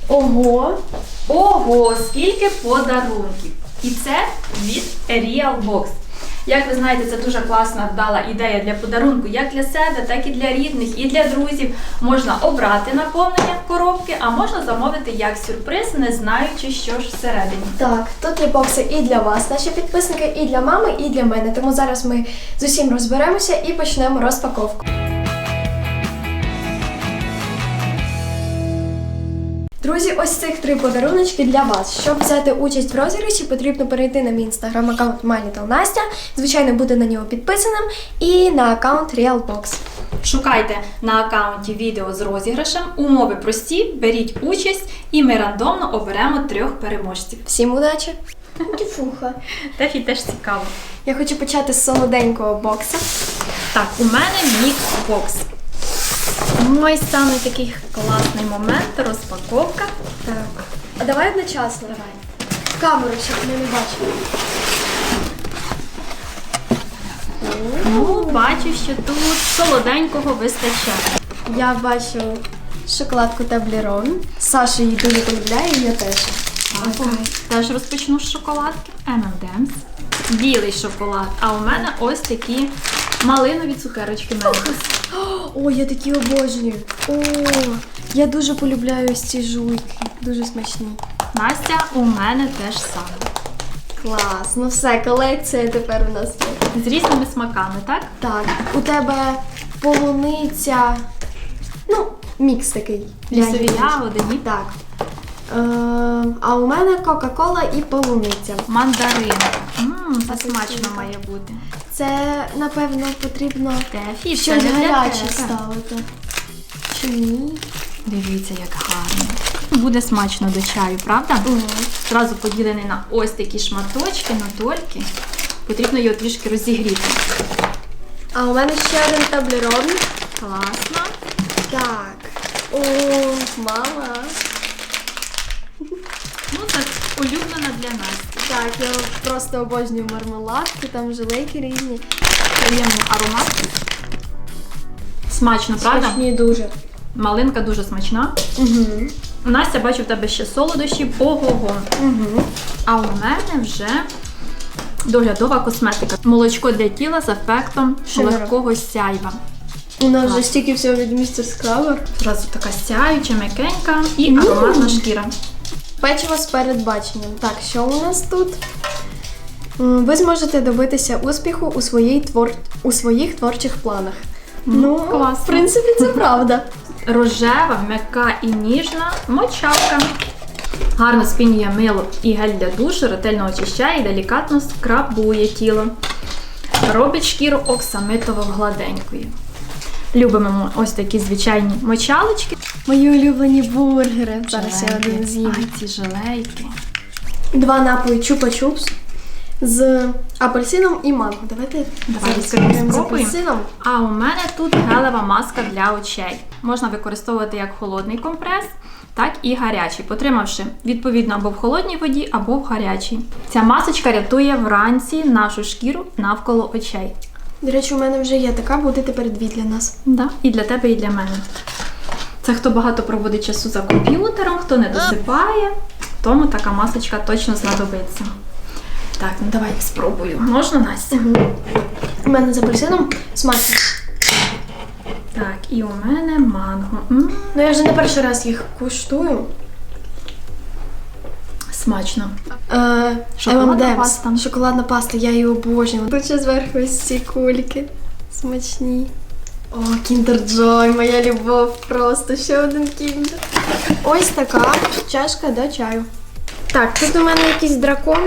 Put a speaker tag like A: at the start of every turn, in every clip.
A: Ого!
B: Ого, скільки подарунків! І це від Realbox. Як ви знаєте, це дуже класна, вдала ідея для подарунку як для себе, так і для рідних, і для друзів. Можна обрати наповнення коробки, а можна замовити як сюрприз, не знаючи, що ж всередині.
A: Так, тут є бокси і для вас, наші підписники, і для мами, і для мене. Тому зараз ми з усім розберемося і почнемо розпаковку. Друзі, ось цих 3 подаруночки для вас. Щоб взяти участь в розіграші, потрібно перейти на мій інстаграм-аккаунт MyLittleNastya, звичайно, бути на нього підписаним, і на аккаунт Realbox.
B: Шукайте на аккаунті відео з розіграшем, умови прості, беріть участь і ми рандомно оберемо 3 переможців.
A: Всім удачі! Тіфуха.
B: Тефі теж цікаво.
A: Я хочу почати з солоденького бокса.
B: Так, у мене мікс-бокс. Ой, саме такий класний момент, розпаковка.
A: Так. А давай одночасно.
B: Давай.
A: В камеру, щоб ми не бачили.
B: Ну, бачу, що тут солоденького вистачає.
A: Я бачу шоколадку Toblerone. Саша її дуже полюбляє, і я теж.
B: Так, теж розпочну з шоколадки. M&M's. Білий шоколад. А у мене ось такі малинові цукерочки Мелкос.
A: О, я такі обожнюю. О, я дуже полюбляю ось ці жуйки. Дуже смачні.
B: Настя, у мене теж саме.
A: Клас. Ну все, колекція тепер у нас є.
B: З різними смаками, так?
A: Так, у тебе полуниця. Ну, мікс такий.
B: Лісові ягоди, ні?
A: Так. А у мене Кока-Кола і полуниця.
B: Мандаринка. Це
A: Апельсинка.
B: смачно має бути.
A: Це, напевно, потрібно
B: Тефі,
A: щось
B: це не для
A: гаряче
B: тебе.
A: ставити. Чи ні?
B: Дивіться, як гарно. Буде смачно до чаю, правда? Зразу поділений на ось такі шматочки, на дольки. Потрібно його трішки розігріти.
A: А у мене ще один Toblerone.
B: Класно.
A: Так. О, мама.
B: Ну, це улюблена для Насті.
A: Так, я просто обожнюю мармеладки, там жилейки різні.
B: Приємний аромат. Смачно, правда?
A: Смачні дуже.
B: Малинка дуже смачна.
A: Угу.
B: Настя, бачу, в тебе ще солодощі. Ого-го.
A: Угу.
B: А у мене вже доглядова косметика. Молочко для тіла з ефектом
A: Шимеру.
B: легкого сяйва.
A: У нас вже стільки всього від містер Скрабер.
B: Зразу така сяюча, м'якенька і ароматна шкіра.
A: Печиво з передбаченням. Так, що у нас тут? Ви зможете добитися успіху у своїх творчих планах. Ну,
B: класно.
A: в принципі, це правда.
B: Рожева, м'яка і ніжна мочалка. Гарно спінює мило і гель для душу, ретельно очищає і делікатно скрабує тіло. Робить шкіру оксамитово-гладенькою. Любимо ось такі звичайні мочалочки.
A: Мої улюблені бургери. Зараз я
B: Желейки.
A: один з'їм.
B: Ай, ці желейки.
A: 2 напої чупа-чупс з апельсином і манго. Давайте зараз
B: відкриємо,
A: з
B: спробуємо.
A: апельсином.
B: А у мене тут гелева маска для очей. Можна використовувати як холодний компрес, так і гарячий, потримавши відповідно або в холодній воді, або в гарячій. Ця масочка рятує вранці нашу шкіру навколо очей.
A: До речі, у мене вже є така, буде тепер 2 для нас.
B: Да, і для тебе, і для мене. Це хто багато проводить часу за комп'ютером, хто не досипає, тому така масочка точно знадобиться. Так, ну давай спробую. Можна, Настя?
A: У мене з апельсином смачно.
B: Так, і у мене манго.
A: Ну я вже не перший раз їх куштую.
B: Смачно.
A: Шоколадна
B: M&M's.
A: паста. Шоколадна паста, я її обожнюю. Тут ще зверху ось ці кульки. Смачні. О, Kinder Joy, моя любов просто. Ще один Kinder. Ось така чашка до чаю. Так, тут у мене якийсь дракон.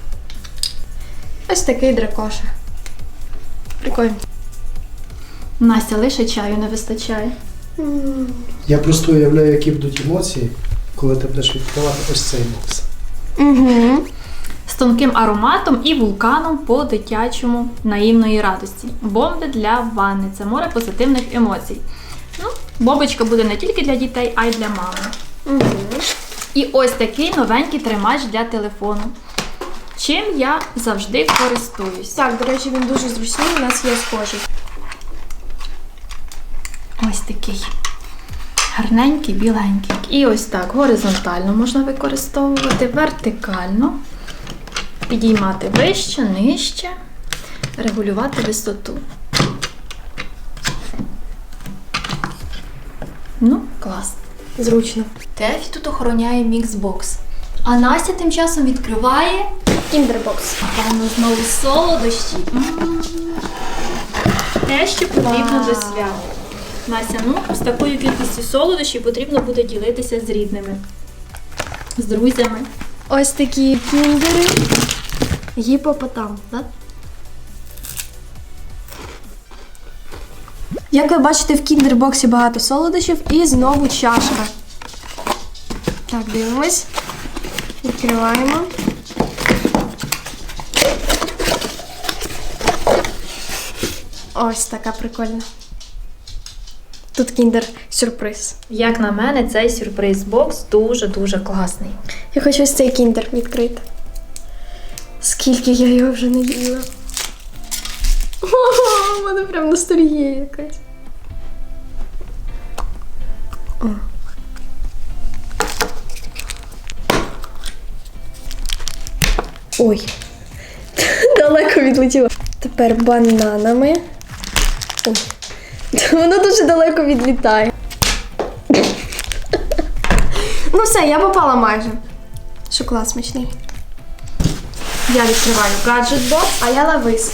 A: Ось такий дракоша. Прикольно.
B: Настя, лише чаю не вистачає.
C: Я просто уявляю, які будуть емоції, коли ти будеш відкривати ось цей бокс.
A: Угу.
B: З тонким ароматом і вулканом по-дитячому наївної радості. Бомби для ванни. Це море позитивних емоцій. Ну, бомбочка буде не тільки для дітей, а й для мами.
A: Угу.
B: І ось такий новенький тримач для телефону. Чим я завжди користуюсь.
A: Так, до речі, він дуже зручний, у нас є схожий.
B: Ось такий Гарненький, біленький. І ось так горизонтально можна використовувати, вертикально, підіймати вище, нижче, регулювати висоту. Ну, клас.
A: Зручно.
B: Тефі тут охороняє міксбокс. А Настя тим часом відкриває,
A: Кіндербокс.
B: напевно, знову солодощі. Те, що потрібно до свят. Настя, ну, з такою кількістю солодощів потрібно буде ділитися з рідними, з друзями.
A: Ось такі кіндери. Гіпопотам, так? Як ви бачите, в кіндербоксі багато солодощів і знову чашка. Так, дивимось. Відкриваємо. Ось така прикольна. Тут кіндер-сюрприз.
B: Як на мене, цей сюрприз-бокс дуже-дуже класний.
A: Я хочу ось цей кіндер відкрити. Скільки я його вже не їла. О, у мене прям ностальгія якась. О. Ой. Далеко відлетіло. Тепер бананами. Ой. Воно дуже далеко відлітає. Ну все, я попала майже. Шоколад смачний.
B: Я відкриваю гаджет-бокс.
A: А я лавис.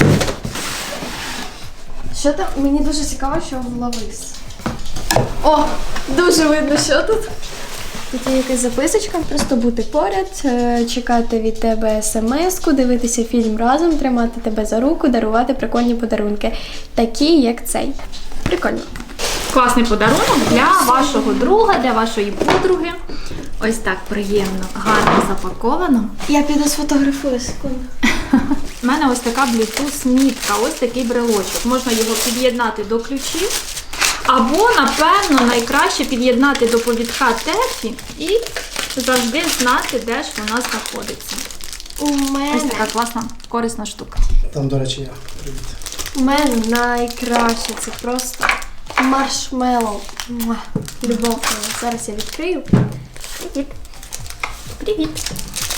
A: Що там? Мені дуже цікаво, що в лавис. О, дуже видно, що тут. Тут є якась записочка, просто бути поряд, чекати від тебе смс-ку, дивитися фільм разом, тримати тебе за руку, дарувати прикольні подарунки. Такі, як цей. Прикольно.
B: Класний подарунок для вашого друга, для вашої подруги. Ось так приємно, гарно запаковано.
A: Я піду сфотографую секунду.
B: У мене ось така Bluetooth-мітка, ось такий брелочок. Можна його під'єднати до ключів. Або, напевно, найкраще під'єднати до повідка Тефі і завжди знати, де ж вона знаходиться. Ось така класна, корисна штука.
C: Там, до речі, я. Привіт.
A: У мене найкраще. Це просто маршмеллоу. Муа. Любов моя. Зараз я відкрию. Привіт.
B: Привіт!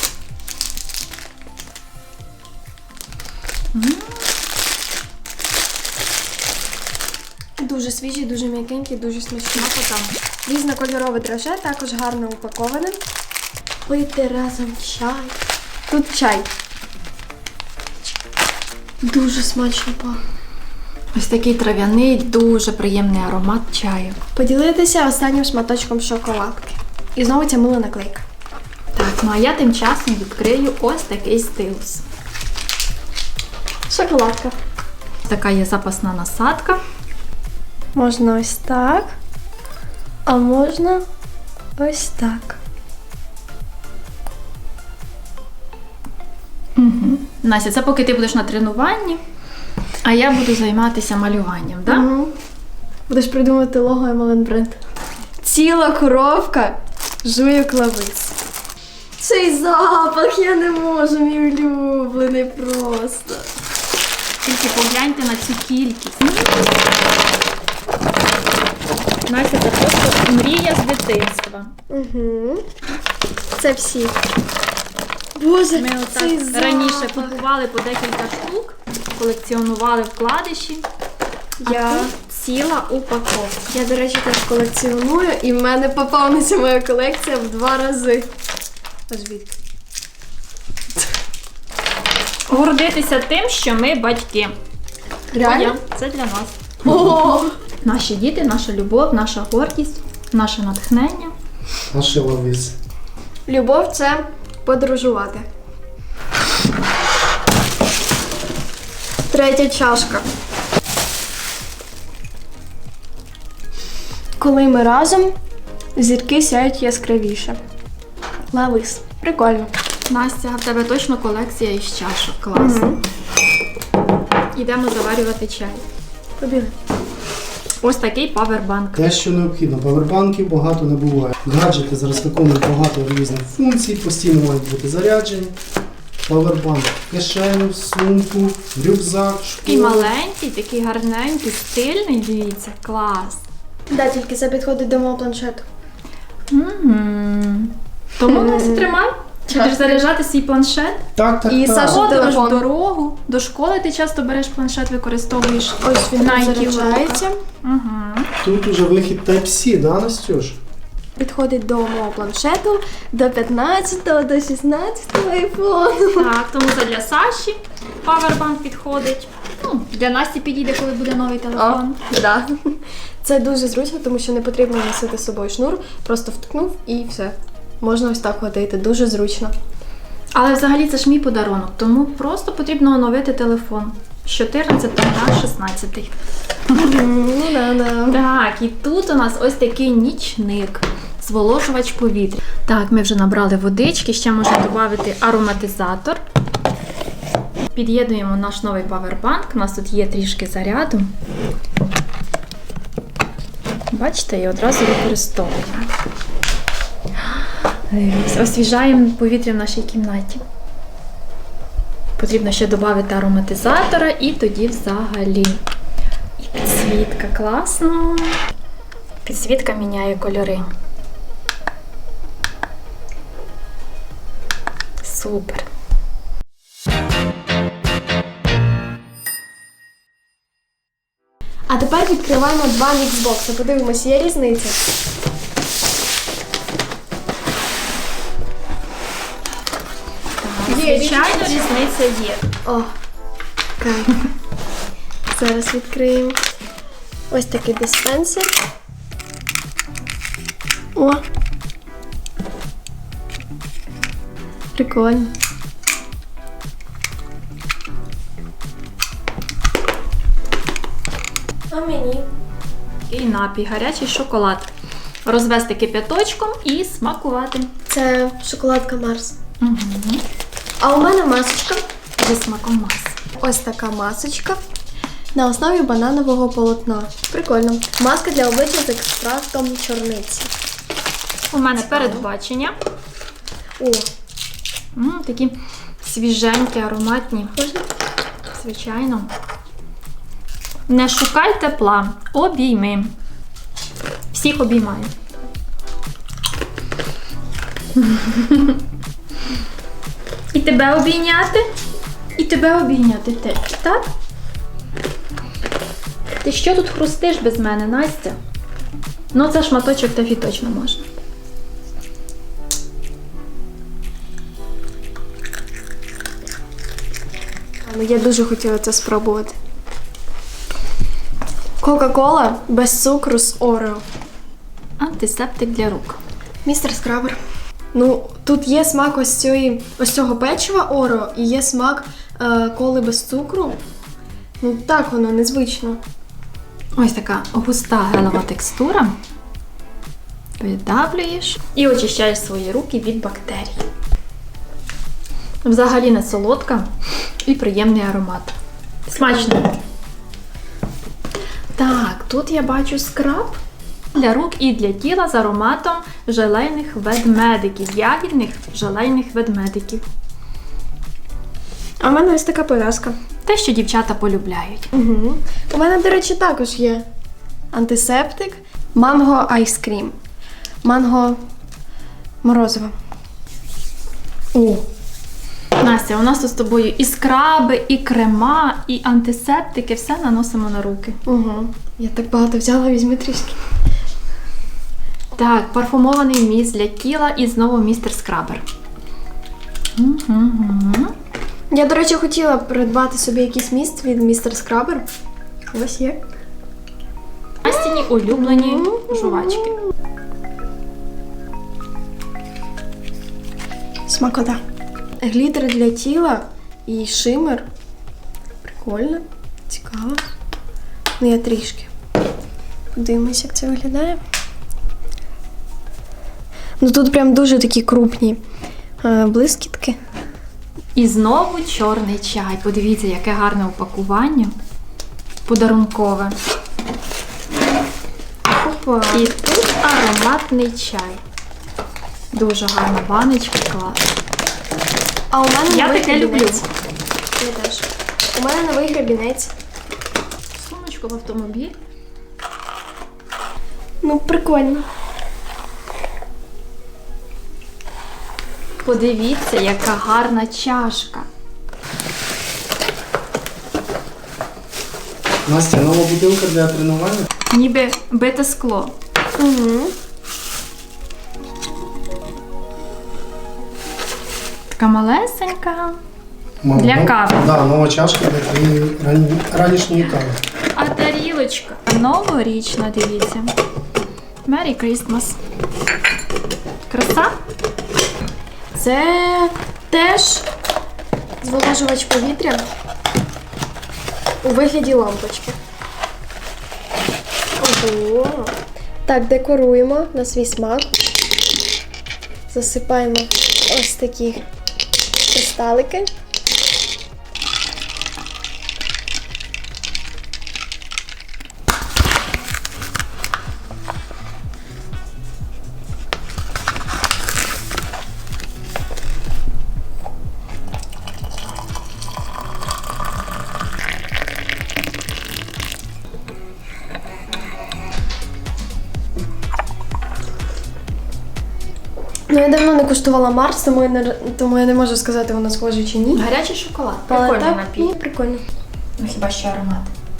A: Дуже свіжий, дуже м'якенький, дуже смачний.
B: Там.
A: Різнокольорове драже, також гарно упаковане. Пити разом чай. Тут чай. Дуже смачно пахне.
B: Ось такий трав'яний, дуже приємний аромат чаю.
A: Поділитися останнім шматочком шоколадки. І знову ця мила наклейка.
B: Так, ну а я тим часом відкрию ось такий стилус.
A: Шоколадка.
B: Така є запасна насадка.
A: Можна ось так, а можна ось так.
B: Настя, це поки ти будеш на тренуванні, а я буду займатися малюванням, так?
A: Угу. Будеш придумати лого MLN бренд. Ціла коровка жує клавис. Цей запах я не можу, мій улюблений просто.
B: Тільки погляньте на цю кількість. Настя, це просто мрія з дитинства.
A: Угу. Це всі. Боже,
B: Ми
A: цей
B: отак
A: запах.
B: раніше купували по декілька штук, колекціонували вкладиші.
A: Я,
B: А тут ціла упаковка.
A: я, до речі, теж колекціоную, і в мене поповниться моя колекція в 2 рази. Аж звідки?
B: Гордитися тим, що ми батьки.
A: Реально?
B: Це для нас.
A: О!
B: Наші діти, наша любов, наша гордість, наше натхнення.
C: Наші лавис.
A: Любов – це подорожувати. 3 чашка. Коли ми разом, зірки сяють яскравіше. Лавис. Прикольно.
B: Настя, в тебе точно колекція із чашок. Клас. Йдемо заварювати чай.
A: Побігли.
B: Ось такий павербанк.
C: Те, що необхідно. Павербанків багато не буває. Гаджети зараз виконують багато різних функцій, постійно мають бути заряджені. Павербанк в кишеню, в сумку, в рюкзак, в
B: Такий
C: школу.
B: маленький, такий гарненький, стильний, дивіться, клас.
A: Да, тільки це підходить до мого планшету.
B: Тому Настя, тримай. Чи будеш заряджати свій планшет?
C: Так.
A: І Саша
B: Ходиш в
A: телефон.
B: дорогу, до школи ти часто береш планшет, використовуєш.
A: Ось він
B: на
A: тут
B: яких
A: заряджається.
B: Угу.
C: Тут уже вихід Type-C, да, Настюш?
A: Підходить до мого планшету, до 15-го, до 16-го айфону.
B: Так, тому це для Саші павербанк підходить. Ну, для Насті підійде, коли буде новий телефон.
A: Да. Це дуже зручно, тому що не потрібно носити з собою шнур, просто вткнув і все. Можна ось так ходити, дуже зручно.
B: Але взагалі це ж мій подарунок, тому просто потрібно оновити телефон з 14 на 16.
A: Ну да.
B: Так, і тут у нас ось такий нічник, зволожувач повітря. Так, ми вже набрали водички, ще можна додати ароматизатор. Під'єднуємо наш новий павербанк, у нас тут є трішки заряду. Бачите, і одразу використовуємо. Освіжаємо повітря в нашій кімнаті. Потрібно ще додати ароматизатора і тоді взагалі. І підсвітка, класно. Підсвітка міняє кольори. Супер.
A: А тепер відкриваємо два міксбокси. Подивимось, є різниця.
B: Звичайно, різниця є.
A: О, кайф. Зараз відкриємо. Ось такий диспенсер. О! Прикольно. А мені?
B: І напій, гарячий шоколад. Розвести кип'яточком і смакувати.
A: Це шоколадка Марс.
B: Угу.
A: А у мене масочка.
B: Зі смаком маси.
A: Ось така масочка на основі бананового полотна. Прикольно. Маска для обличчя з екстрактом чорниці.
B: У мене передбачення.
A: О,
B: Такі свіженькі, ароматні.
A: можна?
B: Звичайно. Не шукай тепла. Обійми. Всіх обіймаю. І тебе обійняти. І тебе обійняти теж, так? Ти що тут хрустиш без мене, Настя? Ну, це шматочок тафі точно можна.
A: Ну, я дуже хотіла це спробувати. Кока-кола без цукру з Орео.
B: Антисептик для рук.
A: Містер Скрабер. Ну, тут є смак ось цього печива Орео і є смак коли без цукру. Ну, так воно незвично.
B: Ось така густа гелева текстура. Видавлюєш і очищаєш свої руки від бактерій. Взагалі не солодка і приємний аромат. Смачно. Так, тут я бачу скраб для рук і для тіла з ароматом желейних ведмедиків, ягідних желейних ведмедиків.
A: А в мене ось така пов'язка.
B: Те, що дівчата полюбляють.
A: Угу. У мене, до речі, також є антисептик. Манго айскрім. Манго морозиво. О!
B: Настя, у нас тут з тобою і скраби, і крема, і антисептики, все наносимо на руки.
A: Угу. Я так багато взяла, візьми трішки.
B: Так, парфумований міст для тіла і знову містер Скрабер.
A: Я, до речі, хотіла придбати собі якийсь міст від містер Скрабер. Ось є.
B: Настіні улюблені жувачки.
A: Смакота. Глітер для тіла і шимер. Прикольно. Цікаво. Ну, я трішки. Подивимось, як це виглядає. Ну, тут прям дуже такі крупні блискітки.
B: І знову чорний чай. Подивіться, яке гарне упакування. Подарункове.
A: Опа.
B: І тут ароматний чай. Дуже гарна баночка, клас.
A: А у мене
B: Я
A: новий
B: таке люблю.
A: гребінець. Я теж. У мене новий гребінець.
B: Сумочку в автомобіль.
A: Ну, прикольно.
B: Подивіться, яка гарна чашка.
C: Настя, нова бутилка для тренування.
B: Ніби бите скло.
A: Угу.
B: Така малесенька.
C: Мама,
B: Для
C: ну,
B: кави.
C: Да, нова чашка для твоєї ранішньої кави.
B: А тарілочка новорічна, дивіться. Merry Christmas. Краса?
A: Це теж зволожувач повітря у вигляді лампочки. Ого. Так, декоруємо на свій смак. Засипаємо ось такі кристалики. Ну, я давно не куштувала Марс, тому я не можу сказати, вона схожа чи ні.
B: Гарячий шоколад.
A: Але
B: Прикольний
A: так,
B: напій.
A: ну, прикольно.
B: Ну, хіба що аромат.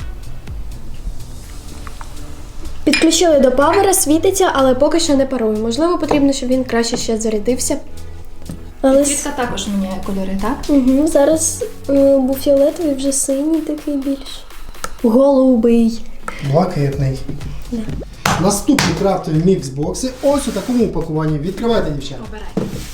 A: Підключили до павера, світиться, але поки що не парує. Можливо, потрібно, щоб він краще ще зарядився. Але
B: Квітка також міняє кольори, так?
A: Угу, зараз був фіолетовий, вже синій такий більш. Голубий.
C: Блакитний. Наступні крафтові мікс-бокси ось у такому упакуванні. Відкривайте, дівчата.
B: Обирай.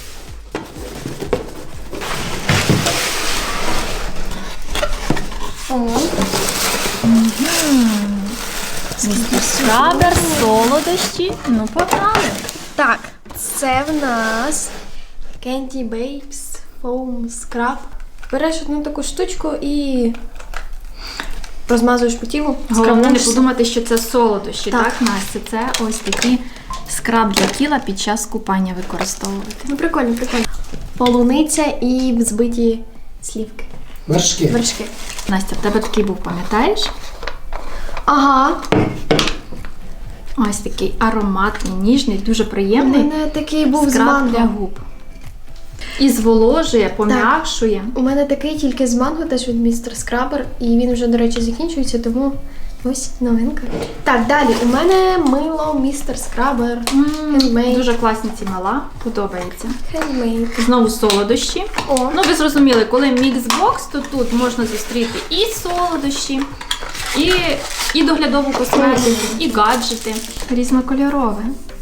B: Скрабер, солодощі. Ну, погнали.
A: Так, це в нас Candy Babes Foam Scrub. Береш одну таку штучку і розмазуєш по тілу.
B: Головне не
A: скрабуєшся.
B: подумати, що це солодощі,
A: Так.
B: так, Настя? Це ось такі скраб для тіла під час купання використовувати.
A: Ну, прикольно, прикольно. Полуниця і взбиті слівки.
C: Вершки.
A: Вершки.
B: Настя, в тебе такий був, пам'ятаєш?
A: Ага.
B: Ось такий ароматний, ніжний, дуже
A: У
B: приємний
A: мене такий був з
B: скраб для
A: манго.
B: губ. І зволожує, пом'якшує.
A: У мене такий тільки з манго, теж від містер Скрабер, і він вже, до речі, закінчується, тому ось новинка. Так, далі. У мене мило містер Скрабер. Handmade.
B: Дуже класні ці мала, подобається.
A: Handmade.
B: Знову солодощі.
A: О,
B: Ну, ви зрозуміли, коли міксбокс, то тут можна зустріти і солодощі, і доглядову косметику, і гаджети. Різнокольорове.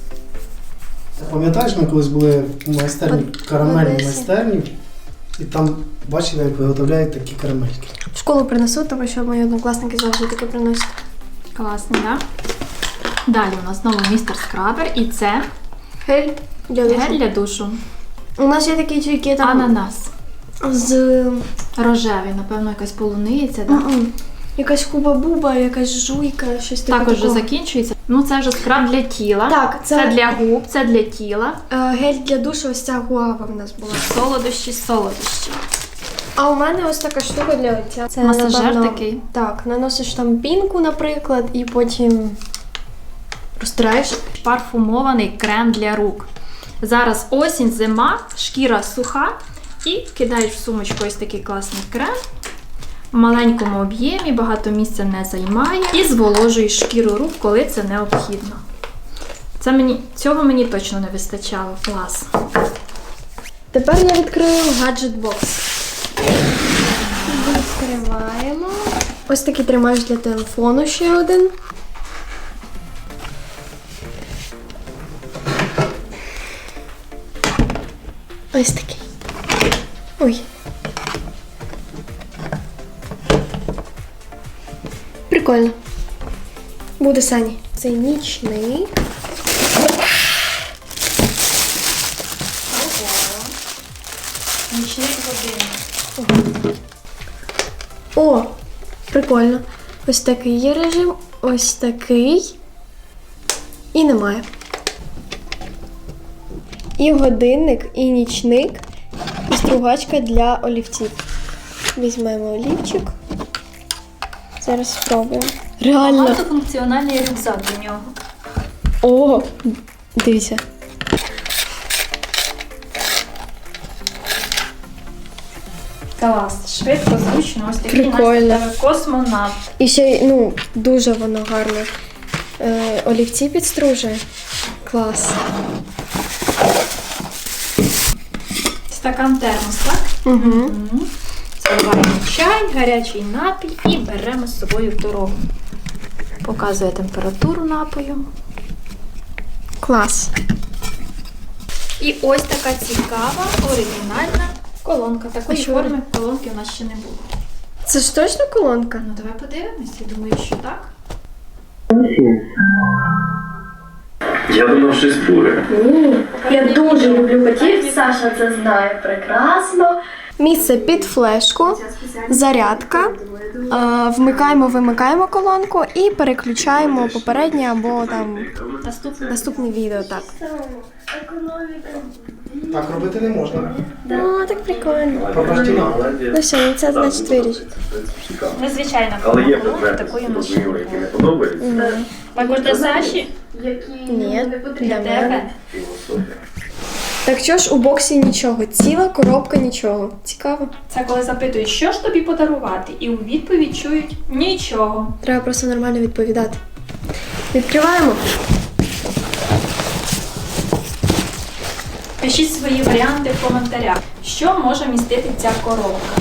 C: Пам'ятаєш, ми колись були в майстерні, карамельній
A: Одесі.
C: майстерні, і там бачили, як виготовляють такі карамельки.
A: в школу принесу, тому що мої однокласники завжди таке приносять.
B: Класно, так? Далі у нас знову містер Скрабер, і це
A: Гель для душу.
B: гель для душу.
A: У нас є такі тільки там
B: Ананас.
A: з
B: Рожевий, напевно, якась полуниця, так?
A: М-м. Якась хуба-буба, якась жуйка, щось таке.
B: Також вже
A: такого.
B: закінчується. Ну, це вже скраб для тіла.
A: Так,
B: Це для губ, це для тіла.
A: Гель для душу, ось ця гуава в нас була.
B: Солодощі, солодощі.
A: А у мене ось така штука для лиця. Це,
B: Масажер
A: напевно,
B: такий.
A: Так, наносиш там пінку, наприклад, і потім розтираєш.
B: Парфумований крем для рук. Зараз осінь, зима, шкіра суха. І кидаєш в сумочку ось такий класний крем. В маленькому об'ємі, багато місця не займає. І зволожуєш шкіру рук, коли це необхідно. Цього мені точно не вистачало. Клас.
A: Тепер я відкрию гаджет-бокс. Відкриваємо. Ось такий тримаєш для телефону ще один. Ось такий. Ой. Прикольно. Буде Сані. Це нічний.
B: Нічний годинник.
A: О, прикольно. Ось такий є режим, ось такий. І немає. І годинник, і нічник, і стругачка для олівців. Візьмемо олівчик. Зараз спробуємо. Реально.
B: Багатофункціональний рюкзак до нього.
A: О, дивіться.
B: Клас, швидко, зручно, ось такий
A: Прикольно.
B: Настя в тебе космонавт.
A: І ще й, ну, дуже воно гарно. Олівці підстружує. Клас.
B: Стакан термос, так?
A: Угу.
B: Мгм. Заливаємо чай, гарячий напій і беремо з собою в дорогу. Показує температуру напою.
A: Клас.
B: І ось така цікава, оригінальна колонка. Такої
A: А що
B: форми колонки у нас ще не було.
A: Це ж точно колонка?
B: Ну давай подивимось, я думаю, що так.
D: Я думав, щось буде.
A: Я дуже люблю котів, Саша це знає прекрасно. Місце під флешку, зарядка. Вмикаємо колонку і переключаємо попереднє або там наступне відео. Так.
C: Так робити не можна.
A: О, так прикольно.
C: Прокрастинат.
A: Ну все, це значить вирішить.
B: Незвичайна
D: Але є
B: колонка,
D: предмети,
B: такої у нас ще не
D: які не
B: було.
D: подобаються.
B: Також для Саші,
A: Ні,
B: для
A: для мене.
B: тебе.
D: Філософія.
A: Так що ж у боксі нічого, ціла коробка нічого. Цікаво.
B: Це коли запитують, що ж тобі подарувати, і у відповідь чують нічого.
A: Треба просто нормально відповідати. Відкриваємо.
B: Пишіть свої варіанти в коментарях, що може містити ця коробка.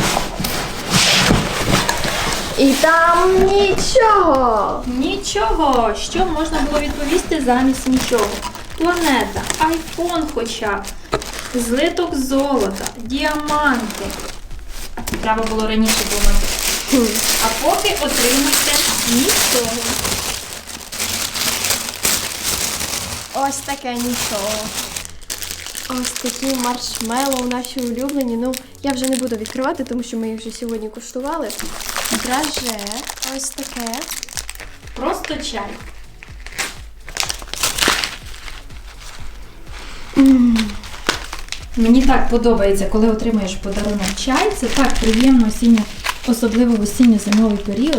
A: І там нічого.
B: Нічого, що можна було відповісти замість нічого. Планета, айфон хоча б, злиток золота, діаманти. Треба було раніше думати. А поки отримайте нічого.
A: Ось таке нічого. Ось такі маршмеллоу наші улюблені. Ну, я вже не буду відкривати, тому що ми їх вже сьогодні куштували. Драже. Ось таке.
B: Просто чай. Мені так подобається, коли отримуєш подарунок чай. Це так приємно осінньо, особливо в осінньо-зимовий період.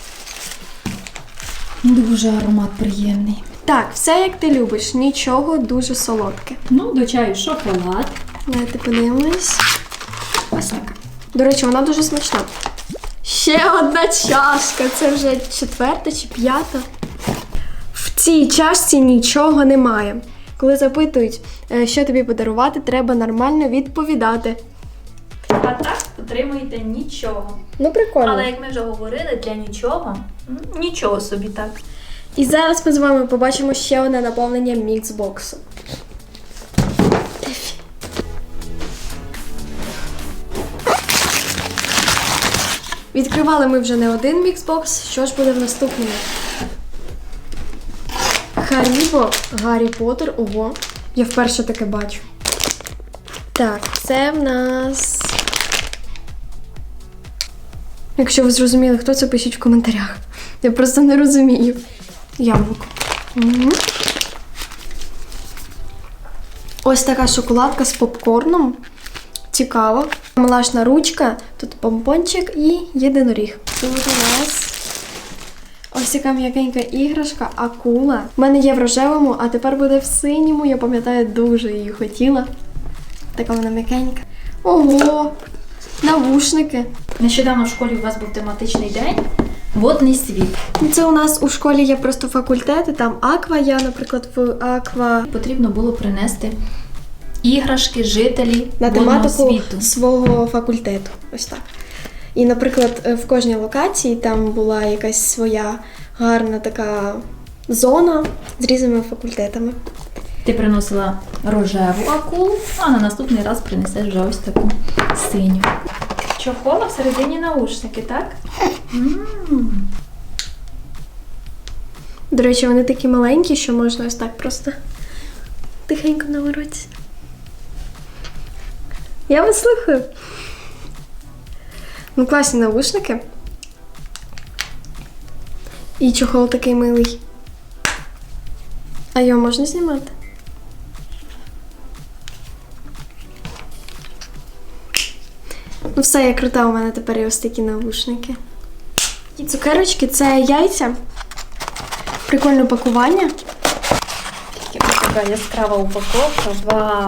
B: Дуже аромат приємний.
A: Так, все як ти любиш. Нічого дуже солодке.
B: Ну, до чаю шоколад.
A: Давайте подивимось. Ось така. До речі, вона дуже смачна. Ще одна чашка. Це вже 4-та чи 5-та. В цій чашці нічого немає. Коли запитують, що тобі подарувати, треба нормально відповідати.
B: А так отримуєте нічого.
A: Ну, прикольно.
B: Але як ми вже говорили, для нічого, нічого собі так.
A: І зараз ми з вами побачимо ще одне наповнення міксбоксу. Відкривали ми вже не один міксбокс. Що ж буде в наступному? Харібо, Гаррі Поттер. Ого, я вперше таке бачу. Так, це в нас... Якщо ви зрозуміли, хто це, пишіть в коментарях. Я просто не розумію. Яблуко. Угу. Ось така шоколадка з попкорном. Цікаво. Милашна ручка, тут помпончик і єдиноріг. Тут у нас ось така м'якенька іграшка, акула. У мене є в рожевому, а тепер буде в синьому. Я пам'ятаю, дуже її хотіла. Така вона м'якенька. Ого! Навушники.
B: Нещодавно в школі у вас був тематичний день «Водний світ».
A: Це у нас у школі є просто факультети, там аква, я, наприклад, в аква.
B: Потрібно було принести іграшки, жителі
A: На
B: водного
A: тематику
B: світу.
A: свого факультету. Ось так. І, наприклад, в кожній локації там була якась своя гарна така зона з різними факультетами.
B: Ти приносила рожеву акулу, а на наступний раз принесеш вже ось таку синю. Чохола всередині наушники, так?
A: До речі, вони такі маленькі, що можна ось так просто тихенько наворотися. Я вас слухаю. Ну, класні навушники. І чохол такий милий. А його можна знімати? Ну все, я крута, у мене тепер є ось такі навушники. І цукерочки – це яйця. Прикольне пакування.
B: така яскрава упаковка. Вау!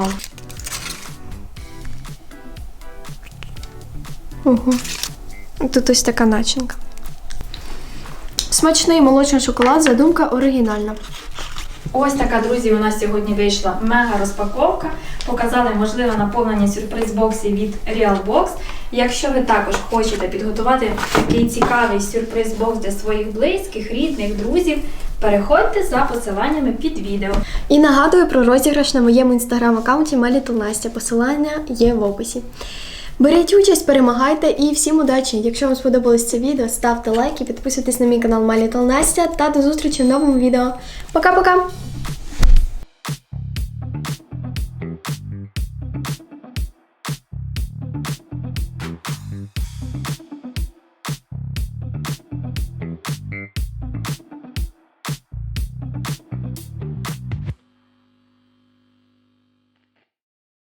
A: Ого. Тут ось така начинка. Смачний молочний шоколад, задумка оригінальна.
B: Ось така, друзі, у нас сьогодні вийшла мега розпаковка. Показали можливе наповнення сюрприз-боксів від Realbox. Якщо ви також хочете підготувати такий цікавий сюрприз-бокс для своїх близьких, рідних, друзів, переходьте за посиланнями під відео.
A: І нагадую про розіграш на моєму інстаграм-аккаунті My Little Настя. Посилання є в описі. Беріть участь, перемагайте і всім удачі! Якщо вам сподобалось це відео, ставте лайки, підписуйтесь на мій канал My Little Настя та до зустрічі в новому відео. Пока-пока!